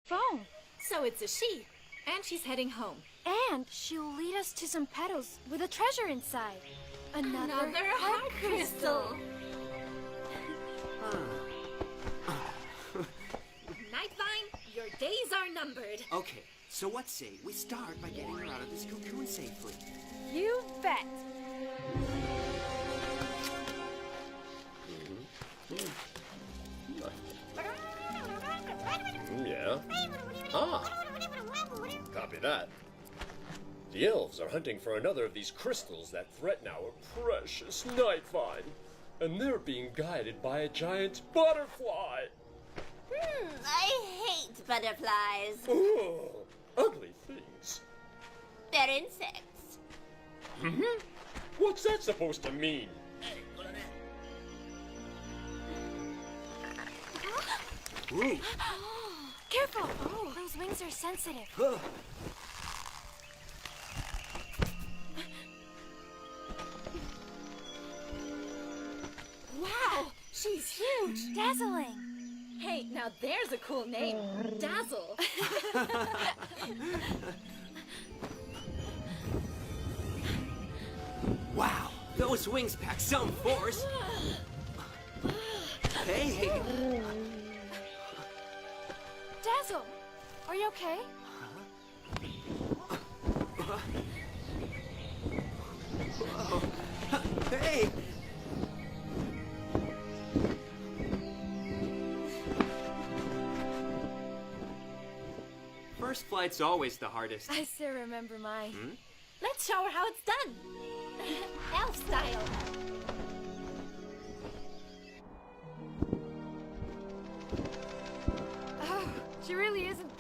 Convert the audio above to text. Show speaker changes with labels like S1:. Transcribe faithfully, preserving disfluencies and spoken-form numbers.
S1: phone.
S2: So it's a she, and she's heading home.
S1: And she'll lead us to some petals with a treasure inside. Another,
S2: Another heart crystal. Nightvine, your days are numbered.
S3: Okay, so what say we start by getting her out of this cocoon safely?
S1: You bet.
S4: Yeah? Ah! Copy that. The elves are hunting for another of these crystals that threaten our precious Nightvine. And they're being guided by a giant butterfly.
S5: Hmm, I hate butterflies.
S4: Oh, ugly things.
S5: They're insects.
S4: Mm-hmm. What's that supposed to mean?
S3: Ooh.
S1: Careful! Oh, those wings are sensitive.
S3: Huh.
S2: Wow, she's huge.
S1: Dazzling.
S2: Hey, now there's a cool name. Dazzle.
S3: Wow, those wings pack some force. Hey!
S1: Dazzle, are you okay?
S3: Hey! First flight's always the hardest.
S1: I still remember mine.
S3: Hmm?
S2: Let's show her how it's done. Elf style.
S1: Oh, she really isn't